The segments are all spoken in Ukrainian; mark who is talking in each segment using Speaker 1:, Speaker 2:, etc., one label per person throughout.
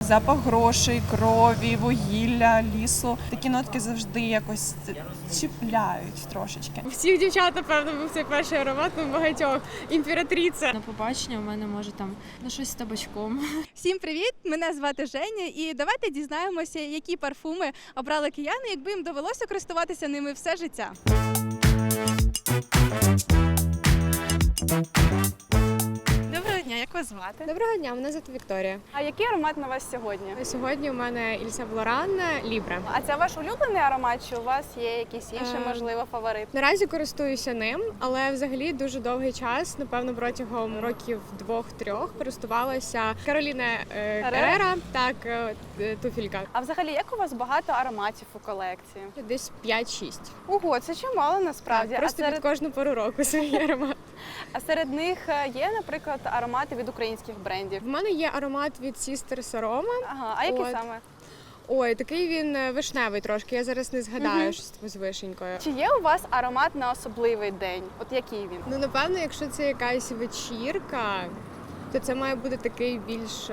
Speaker 1: запах грошей, крові, вугілля, лісу. Такі нотки завжди якось чіпляють трошечки.
Speaker 2: У всіх дівчат, напевно, був цей перший аромат, у багатьох. Імператриця.
Speaker 3: На побачення у мене може там щось з табачком.
Speaker 4: Всім привіт! Мене звати Женя, і давайте дізнаємося, які парфуми обрали кияни, якби їм довелося користуватися ними все життя. Доброго дня, як вас звати?
Speaker 2: Доброго дня, мене звати Вікторія.
Speaker 5: А який аромат на вас сьогодні?
Speaker 2: Сьогодні у мене Yves Saint Laurent Libre.
Speaker 5: А це ваш улюблений аромат, чи у вас є якийсь інший, можливо, фаворит?
Speaker 2: Наразі користуюся ним, але взагалі дуже довгий час, напевно, протягом років 2-3 користувалася Кароліна Ерера, так, туфелька.
Speaker 5: А взагалі, як у вас багато ароматів у колекції?
Speaker 2: Десь 5-6.
Speaker 5: Ого, це чимало насправді.
Speaker 2: Просто під кожну пору року свій аромат.
Speaker 5: А серед них є, наприклад, аромати від українських брендів?
Speaker 2: В мене є аромат від Sister Saroma.
Speaker 5: Ага, а який
Speaker 2: От.
Speaker 5: саме?
Speaker 2: Ой, такий він вишневий трошки, я зараз не згадаю, що з вишенькою.
Speaker 5: Чи є у вас аромат на особливий день? От який він?
Speaker 2: Ну, напевно, якщо це якась вечірка, то це має бути такий більш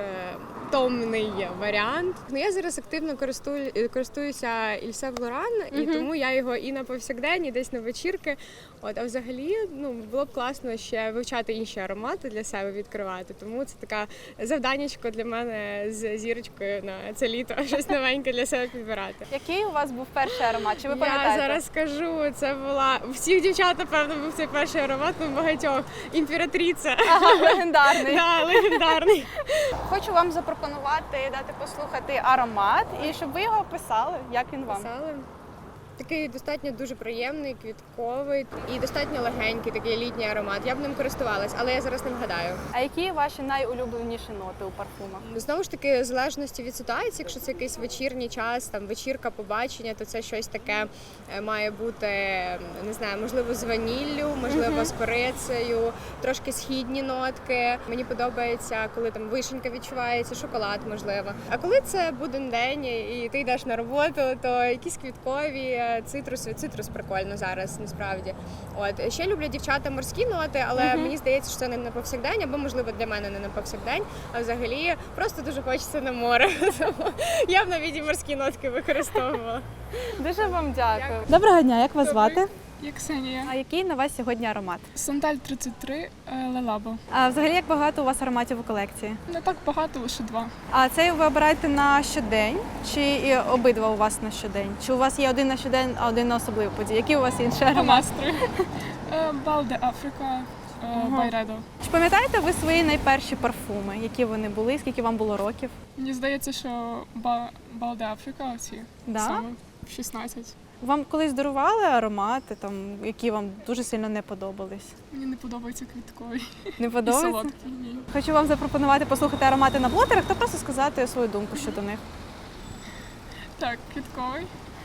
Speaker 2: томний варіант. Ну, я зараз активно користуюся Yves Saint Laurent, і тому я його і на повсякдень, і десь на вечірки. От, а взагалі, ну, було б класно ще вивчати інші аромати для себе, відкривати. Тому це така завданнячко для мене з зірочкою на це літо, щось новеньке для себе підбирати.
Speaker 5: Який у вас був перший аромат? Чи ви
Speaker 2: Я
Speaker 5: пам'ятаєте?
Speaker 2: зараз скажу, це була у всіх дівчат, напевно, був цей перший аромат, у багатьох. Імператриця.
Speaker 5: Ага, легендарний.
Speaker 2: Да, легендарний.
Speaker 5: Хочу вам запропонувати дати послухати аромат і щоб ви його описали, як він вам.
Speaker 2: Писали. Такий достатньо дуже приємний, квітковий і достатньо легенький, такий літній аромат. Я б ним користувалась, але я зараз не вгадаю.
Speaker 5: А які ваші найулюбленіші ноти у парфумах?
Speaker 2: Знову ж таки, в залежності від ситуації, якщо це якийсь вечірній час, там вечірка, побачення, то це щось таке має бути, не знаю, можливо, з ваніллю, можливо, з корицею, трошки східні нотки. Мені подобається, коли там вишенька відчувається, шоколад, можливо. А коли це буден день і ти йдеш на роботу, то якісь квіткові. Цитрус прикольно зараз, насправді. От ще люблять дівчата морські ноти, але мені здається, що це не на повсякдень, або можливо для мене не на повсякдень, а взагалі просто дуже хочеться на море. Тому я б навіть і морські нотки використовувала.
Speaker 5: Дуже вам дякую.
Speaker 4: Доброго дня, як вас звати?
Speaker 6: Я Ксенія.
Speaker 4: А який на вас сьогодні аромат?
Speaker 6: Сандаль 33 Лелабо.
Speaker 4: А взагалі, як багато у вас ароматів у колекції?
Speaker 6: Не так багато, лише 2.
Speaker 4: А цей ви обираєте на щодень, чи і обидва у вас на щодень? Чи у вас є один на щодень, а один на особливу подію? Які у вас інші
Speaker 6: По
Speaker 4: аромати?
Speaker 6: настрою. Балде Африка, Байредо.
Speaker 4: Чи пам'ятаєте ви свої найперші парфуми? Які вони були, скільки вам було років?
Speaker 6: Мені здається, що Балде Африка, оці
Speaker 4: Да?
Speaker 6: саме в 16.
Speaker 4: Вам колись дарували аромати, там, які вам дуже сильно не подобались?
Speaker 6: Мені не подобається квітковий
Speaker 4: Не
Speaker 6: і
Speaker 4: подобається?
Speaker 6: солодкий. Ні.
Speaker 4: Хочу вам запропонувати послухати аромати на блотерах та просто сказати свою думку щодо них.
Speaker 6: Так, квітковий.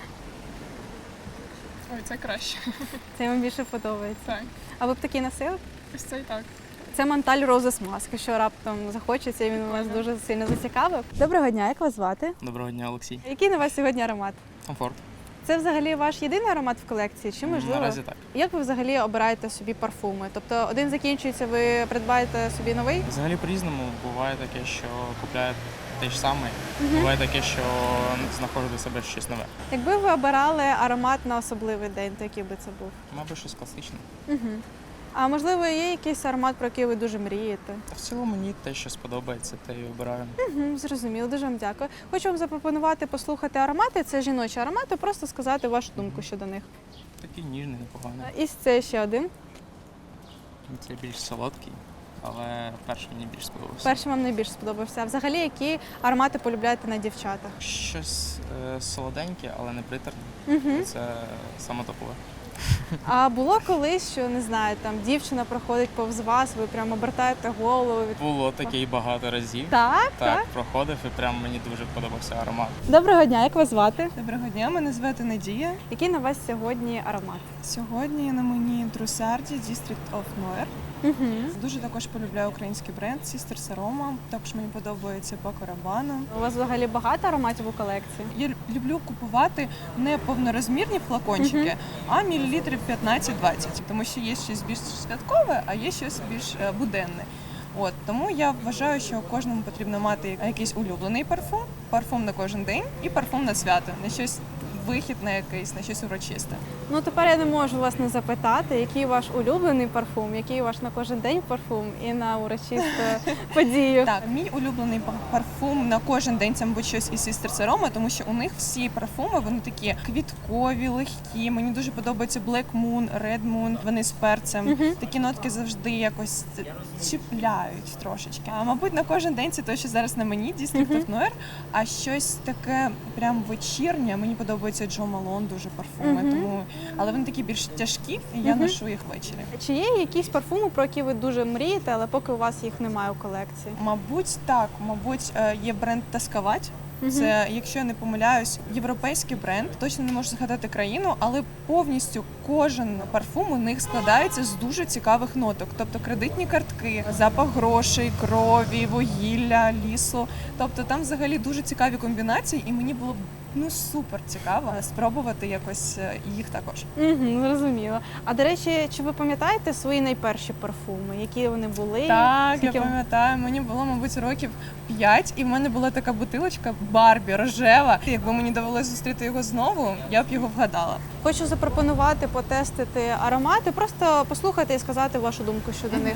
Speaker 6: Ой, це краще.
Speaker 4: Це вам більше подобається.
Speaker 6: Так,
Speaker 4: А ви б такі носили?
Speaker 6: ось цей так.
Speaker 4: Це Монталь Roses Mask, що раптом захочеться, і він вас дуже сильно зацікавив. Доброго дня, як вас звати?
Speaker 7: Доброго дня, Олексій.
Speaker 4: Який на вас сьогодні аромат?
Speaker 7: Комфорт.
Speaker 4: Це взагалі ваш єдиний аромат в колекції? Чи можливо?
Speaker 7: Наразі так.
Speaker 4: Як ви взагалі обираєте собі парфуми? Тобто один закінчується, ви придбаєте собі новий?
Speaker 7: Взагалі по-різному. Буває таке, що купляють те ж саме. Буває таке, що знаходжу для себе щось нове.
Speaker 4: Якби ви обирали аромат на особливий день, то який би це був?
Speaker 7: Мабуть, щось класичне.
Speaker 4: А можливо, є якийсь аромат, про який ви дуже мрієте?
Speaker 7: Та в цілому мені те, що сподобається, те і обираю.
Speaker 4: Зрозуміло, дуже вам дякую. Хочу вам запропонувати послухати аромати. Це жіночі аромати, просто сказати вашу думку щодо них.
Speaker 7: Такий ніжний, непоганий.
Speaker 4: І це ще один.
Speaker 7: Це більш солодкий, але перший мені більш сподобався.
Speaker 4: Перший вам найбільше сподобався. А взагалі, які аромати полюбляєте на дівчатах?
Speaker 7: Щось солоденьке, але не приторне. Це саме топове.
Speaker 4: А було колись, що, не знаю, там дівчина проходить повз вас, ви прямо обертаєте голову.
Speaker 7: Було таке і багато разів.
Speaker 4: Так.
Speaker 7: Проходив і прям мені дуже подобався аромат.
Speaker 4: Доброго дня, як вас звати?
Speaker 1: Доброго дня, мене звати Надія.
Speaker 4: Який на вас сьогодні аромат?
Speaker 1: Сьогодні на мені Друсарді District of Noir. Дуже також полюбляю український бренд Sister Saroma. Також мені подобається Paco Rabanne.
Speaker 4: У вас взагалі багато ароматів у колекції?
Speaker 1: Я люблю купувати не повнорозмірні флакончики, а мілілітрів 15-20. Тому що є щось більш святкове, а є щось більш буденне. От тому я вважаю, що кожному потрібно мати якийсь улюблений парфум на кожен день і парфум на свято, на щось вихід на якийсь, на щось урочисте.
Speaker 5: Ну тепер я не можу вас не запитати, який ваш улюблений парфум, який ваш на кожен день парфум і на урочисту подію.
Speaker 1: Так, мій улюблений парфум на кожен день це, мабуть, щось із Sisters Aroma, тому що у них всі парфуми, вони такі квіткові, легкі. Мені дуже подобається Black Moon, Red Moon, вони з перцем. Такі нотки завжди якось чіпляють трошечки. А мабуть, на кожен день це те, що зараз на мені, District of Noir, а щось таке прям вечірнє. Мені подобається Джо Малон дуже парфуми, тому але вони такі більш тяжкі, і я ношу їх ввечері.
Speaker 5: Чи є якісь парфуми, про які ви дуже мрієте, але поки у вас їх немає у колекції?
Speaker 1: Мабуть, так. Мабуть, є бренд Таскавать. Це, якщо я не помиляюсь, європейський бренд. Точно не можу згадати країну, але повністю кожен парфум у них складається з дуже цікавих ноток. Тобто кредитні картки, запах грошей, крові, вугілля, лісу. Тобто там взагалі дуже цікаві комбінації, і мені було б супер цікаво спробувати якось їх також.
Speaker 5: Зрозуміло. А до речі, чи ви пам'ятаєте свої найперші парфуми? Які вони були?
Speaker 1: Так,
Speaker 5: Скільки-
Speaker 1: я пам'ятаю, мені було, мабуть, років 5, і в мене була така бутилочка Барбі рожева. Якби мені довелося зустріти його знову, я б його вгадала.
Speaker 5: Хочу запропонувати потестити аромати, просто послухати і сказати вашу думку щодо них.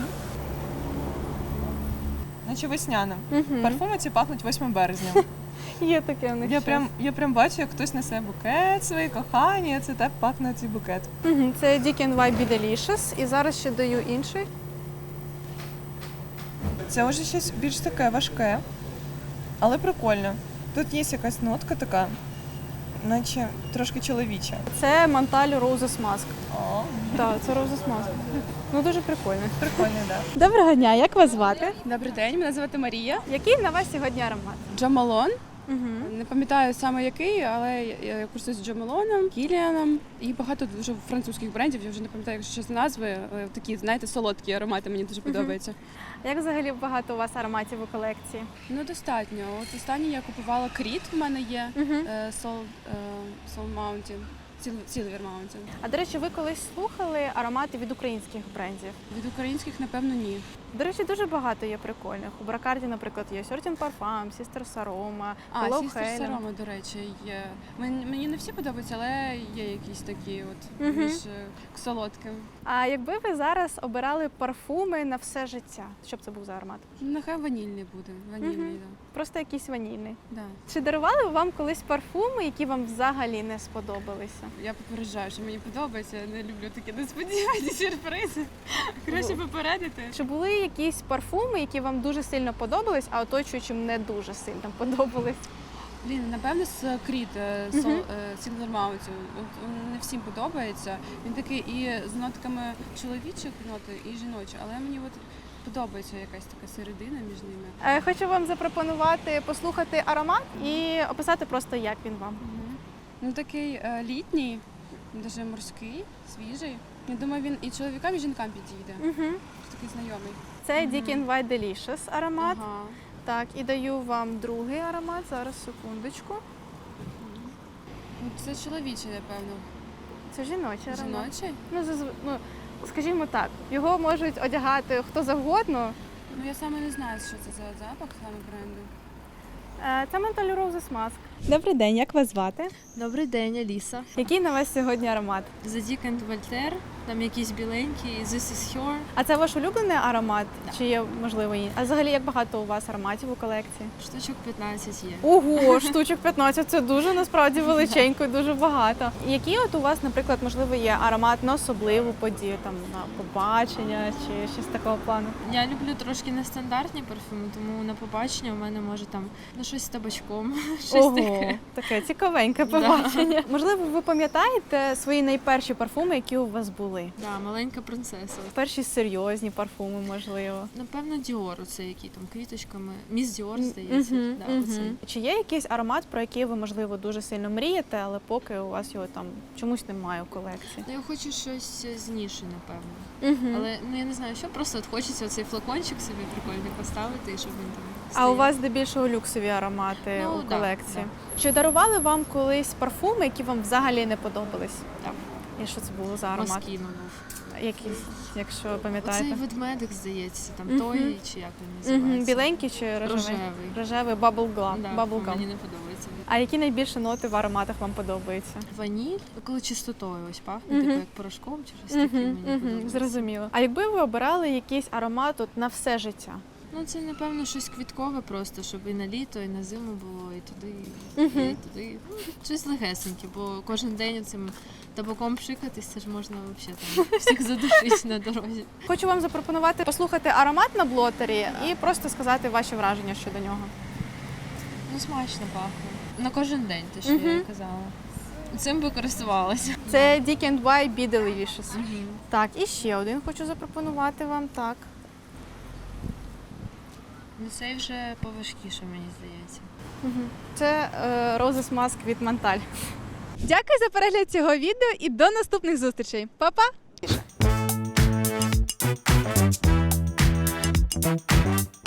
Speaker 1: Наче весняна. Парфуми ці пахнуть 8 березня.
Speaker 5: Є таке у них.
Speaker 1: Я прям бачу, як хтось несе букет своїй коханій, це так пахне цей букет.
Speaker 5: Це Dick & White Be Delicious. І зараз ще даю інший.
Speaker 1: Це вже щось більш таке важке, але прикольно. Тут є якась нотка така, наче трошки чоловіча.
Speaker 5: Це Montale Roses Mask.
Speaker 1: О,
Speaker 5: Так, це Roses Mask. Ну дуже прикольно.
Speaker 1: прикольно, так.
Speaker 5: Доброго дня, як вас звати?
Speaker 8: Добрий день, мене звати Марія.
Speaker 5: Який на вас сьогодні аромат?
Speaker 8: Джо Малон. Не пам'ятаю саме який, але я користуюсь Джо Малоном, Кіліаном і багато дуже французьких брендів. Я вже не пам'ятаю, якщо чесно, назви. Але такі, знаєте, солодкі аромати мені дуже подобаються.
Speaker 5: Як взагалі багато у вас ароматів у колекції?
Speaker 8: Ну, достатньо. От останній я купувала Кріт, в мене є Soul Mountain, Silver Mountain.
Speaker 5: А до речі, ви колись слухали аромати від українських брендів?
Speaker 8: Від українських, напевно, ні.
Speaker 5: До речі, дуже багато є прикольних. У Бракарді, наприклад, є Certain Parfum, Sisters Aroma, Hello
Speaker 8: Sisters
Speaker 5: Helen.
Speaker 8: Aroma, до речі, є. Мені не всі подобаються, але є якісь такі от більш солодким.
Speaker 5: А якби ви зараз обирали парфуми на все життя, що б це був за аромат?
Speaker 8: Нехай ванільний буде. Ванільний, так.
Speaker 5: Просто якийсь ванільний.
Speaker 8: Да.
Speaker 5: Чи дарували вам колись парфуми, які вам взагалі не сподобалися?
Speaker 8: Я попереджаю, що мені подобається. Я не люблю такі несподівані сюрпризи. Краще попередити.
Speaker 5: Чи були якісь парфуми, які вам дуже сильно подобались, а оточуючим не дуже сильно подобались?
Speaker 8: Блін, напевно, з Кріт, Silver Mountain. Не всім подобається. Він такий і з нотками чоловічих ноти, і жіночі, але мені от подобається якась така середина між ними.
Speaker 5: Хочу вам запропонувати послухати аромат і описати просто, як він вам.
Speaker 8: Ну такий літній, дуже морський, свіжий. Я думаю, він і чоловікам, і жінкам підійде. Такий знайомий.
Speaker 5: Це Dick & White Delicious аромат.
Speaker 8: Ага.
Speaker 5: Так, і даю вам другий аромат. Зараз, секундочку.
Speaker 8: Ну, це чоловічий, напевно.
Speaker 5: Це жіночий аромат.
Speaker 8: Жіночий?
Speaker 5: Ну, скажімо так, його можуть одягати хто завгодно.
Speaker 8: Ну я саме не знаю, що це за запах саме бренду.
Speaker 5: Це Montale Roses Mask.
Speaker 4: Добрий день, як вас звати?
Speaker 3: Добрий день, Аліса.
Speaker 5: Який на вас сьогодні аромат?
Speaker 3: The Dick & Voltaire, там якісь біленькі, This is Her.
Speaker 5: А це ваш улюблений аромат? Чи є, можливо, інші? А взагалі, як багато у вас ароматів у колекції?
Speaker 3: Штучок 15 є.
Speaker 5: Ого, штучок 15, це дуже насправді величенько і дуже багато. Які от у вас, наприклад, можливо, є аромат на особливу подію, там на побачення чи щось такого плану?
Speaker 3: Я люблю трошки нестандартні парфюми, тому на побачення у мене може там щось з табачком, щось таке.
Speaker 5: Таке цікавеньке побачення. Можливо, ви пам'ятаєте свої найперші парфуми, які у вас були?
Speaker 3: Да, маленька принцеса.
Speaker 5: Перші серйозні парфуми, можливо.
Speaker 3: Напевно, Діор, оце який там квіточками. Міс Діор, здається. Да, оцей.
Speaker 5: Чи є якийсь аромат, про який ви, можливо, дуже сильно мрієте, але поки у вас його там чомусь немає у колекції?
Speaker 3: Ну, я хочу щось з ніші, напевно. Але ну я не знаю, що просто от хочеться цей флакончик собі прикольний поставити, і щоб він там
Speaker 5: А
Speaker 3: стояв.
Speaker 5: у вас здебільшого люксові аромати
Speaker 3: Ну,
Speaker 5: у
Speaker 3: да,
Speaker 5: колекції.
Speaker 3: да.
Speaker 5: Чи дарували вам колись парфуми, які вам взагалі не подобались?
Speaker 3: Так.
Speaker 5: І що це було за аромат?
Speaker 3: Москіно був.
Speaker 5: якийсь, якщо
Speaker 3: Оцей
Speaker 5: пам'ятаєте?
Speaker 3: ведмедик, здається, там
Speaker 5: Мгм.
Speaker 3: той, чи як він називається.
Speaker 5: Біленький чи рожевий?
Speaker 3: Рожевий.
Speaker 5: Рожевий bubblegum.
Speaker 3: Да,
Speaker 5: Bubblegum.
Speaker 3: мені не подобається.
Speaker 5: А які найбільше ноти в ароматах вам подобаються?
Speaker 3: Ваніль, коли чистотою ось пахне, типу як порошком чи щось таке, мені подобається.
Speaker 5: Зрозуміло. А якби ви обирали якийсь аромат от на все життя?
Speaker 3: Ну, це, напевно, щось квіткове просто, щоб і на літо, і на зиму було, і туди, і туди. Ну, щось легесеньке, бо кожен день цим табаком пшикатись, це ж можна взагалі там всіх задушити на дорозі.
Speaker 5: Хочу вам запропонувати послухати аромат на блотері і просто сказати ваші враження щодо нього.
Speaker 3: Ну, смачно пахне. На кожен день, те, що я казала. Цим би користувалася.
Speaker 5: Це Dick and Why Be Delicious. Так, і ще один хочу запропонувати вам. Так.
Speaker 3: Ну, цей вже поважкіше, мені здається.
Speaker 5: Це Roses Mask від Монталь.
Speaker 4: Дякую за перегляд цього відео і до наступних зустрічей. Па-па!